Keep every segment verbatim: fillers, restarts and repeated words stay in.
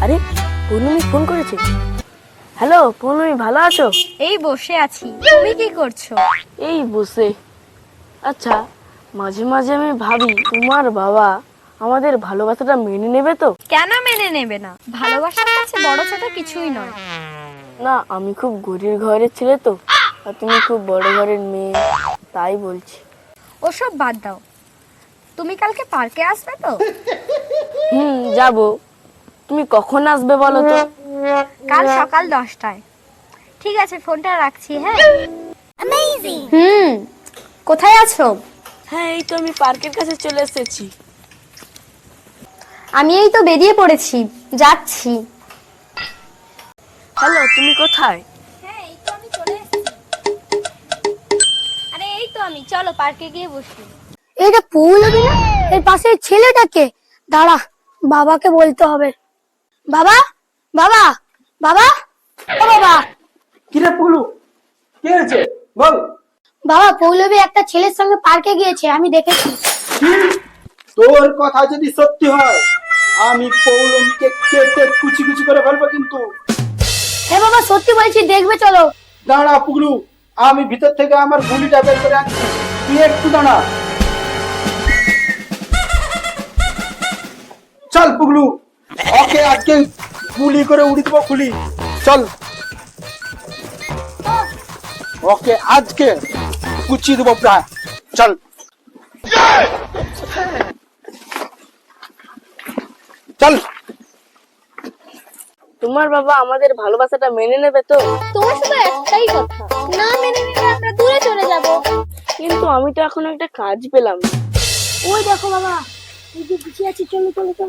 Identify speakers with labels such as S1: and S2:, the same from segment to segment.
S1: আরে পূর্ণমি ফোন করেছে। হ্যালো পূর্ণমি, ভালো আছো?
S2: এই বসে আছি, তুমি কি করছো?
S1: এই বসে। আচ্ছা, মাঝে মাঝে আমি ভাবি তোমার বাবা আমাদের ভালোবাসাটা মেনে নেবে তো?
S2: কেন মেনে নেবে না? ভালোবাসার কাছে বড় ছোট কিছুই নয়।
S1: না, আমি খুব গরিব ঘরের ছেলে তো, আর তুমি খুব বড় ঘরের মেয়ে, তাই বলছি।
S2: ওসব বাদ দাও, তুমি কালকে পার্কে আসবে তো?
S1: হুম, যাবো। তুমি কখন আসবে বলো তো?
S2: কাল সকাল দশটায়। ঠিক আছে, ফোনটা রাখছি। হ্যাঁ। হুম, কোথায় আছো?
S1: হ্যাঁ, এই তো আমি পার্কের কাছে চলে এসেছি।
S2: আমি এই তো বেরিয়ে পড়েছি, যাচ্ছি।
S1: হ্যালো, তুমি কোথায়?
S2: হ্যাঁ, এই তো আমি চলে এসেছি। আরে এই তো আমি, চলো পার্কে গিয়ে বসি।
S3: এটা পৌলবী না? এর পাশে ছেলেটাকে, দাঁড়া, বাবাকে বলতে হবে। বাবা, বাবা, বাবা, ও বাবা।
S4: কিরে পুলু, কি হয়েছে বল?
S3: বাবা, পৌলবী একটা ছেলের সঙ্গে পার্কে গিয়েছে, আমি দেখেছি।
S4: তোর কথা যদি সত্যি হয়, আমি পৌলমীকে কেটে কুচি কুচি করে ফেলবো কিন্তু।
S3: হ্যাঁ বাবা, সত্যি বলছি, দেখবে চলো।
S4: দাঁড়া পুগলু, আমি ভিতর থেকে আমার গুলিটা বের করে আনছি, তুই একটু দাঁড়া। চল পুগলু, ওকে আজকে গুলি করে উড়ি দেবো খুলি। চল, ওকে আজকে কুচি দেবো প্রায়। চল চল।
S1: তোমার বাবা আমাদের ভালোবাসাটা মেনে নেবে তো?
S2: তোমার শুধু একটাই কথা, না মেনে নিলে আমরা দূরে চলে যাব।
S1: কিন্তু আমি তো এখন একটা কাজ পেলাম না।
S3: ওই দেখো বাবা, এই যে পিছিয়ে আছি, চলো চলো চলো।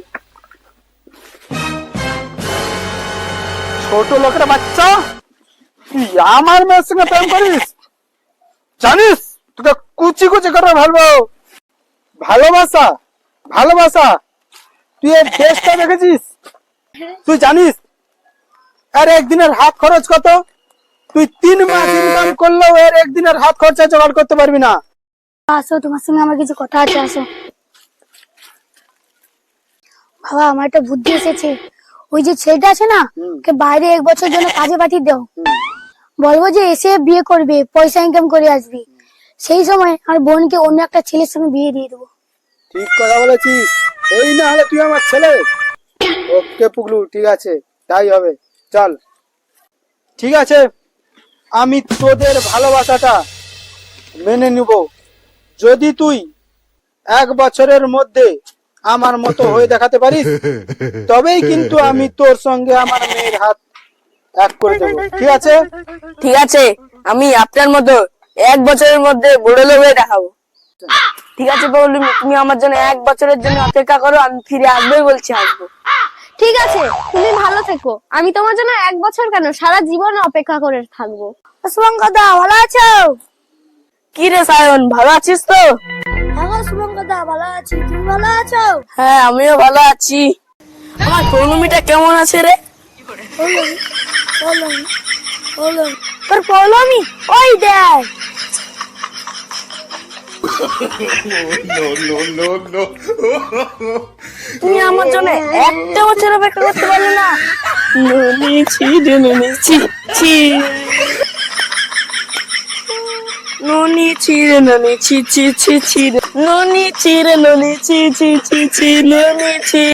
S4: ছোট লোকের বাচ্চা, তুই আমার মেয়ের সঙ্গে প্রেম করিস? জানিস তোকে কুচি কুচি করে ফেলবো। ভালোবাসা ভালোবাসা তুই এর দেশটা দেখেছিস? তুই জানিস এর একদিনের হাত খরচ কত? তুই তিন মাস ইনকাম করলেও এর একদিনের হাত খরচা জোগাড় করতে পারবি না।
S3: আসো, তোমার সঙ্গে আমার কিছু কথা আছে, আসো। বাবা, আমার একটা বুদ্ধি এসেছে। ওই যে ছেলেটা আছে না, ওকে বাইরে এক বছর জন্য কাজে পাঠিয়ে দাও। বলবো যে এসে বিয়ে করবে, পয়সা ইনকাম করে আসবি। সেই সময় আমার বোনকে অন্য একটা ছেলের সঙ্গে বিয়ে দিয়ে দেবো।
S4: ঠিক কথা বলেছিস, এই না হলে তুই আমার ছেলে। ওকে পুগলু, ঠিক আছে, তাই হবে। চল, ঠিক আছে, আমি তোদের ভালোবাসাটা মেনে নিব যদি তুই এক বছরের মধ্যে আমার মতো হয়ে দেখাতে পারিস। তবেই কিন্তু আমি তোর সঙ্গে আমার মেয়ের হাত এক করে দেবো, ঠিক আছে?
S1: ঠিক আছে, আমি আপনার মতো এক বছরের মধ্যে বড় লোক হয়ে দেখাবো। ঠিক আছে পৌলমী, তুমি আমার জন্য এক বছরের জন্য অপেক্ষা করো, আমি ফিরে আসবোই বলছি, আসবো।
S2: ঠিক আছে, তুমি ভালো থেকো। আমি তোমার জন্য এক বছর কেন, সারা জীবন অপেক্ষা করে থাকবো।
S3: শুভঙ্করদা, ভালো আছো?
S1: কি রে সায়ন, ভালো আছিস তো?
S3: হ্যাঁ শুভঙ্করদা, ভালো আছি, তুমি ভালো আছো?
S1: হ্যাঁ, আমিও ভালো আছি। আমার পৌলমীটা কেমন আছে রে?
S3: পৌলমী, পৌলমী, পৌলমী, তোর পৌলমী ওই দেখ।
S1: তুমি আমার জন্য একটা বছর অপেক্ষা করতে পারলে না? ননি ছি রে ননি ছি ছি, ননি ছি রে ননি ছি ছি ছি ছি রে, ননি ছি রে ননি ছি ছি ছি ছি, ননি ছি।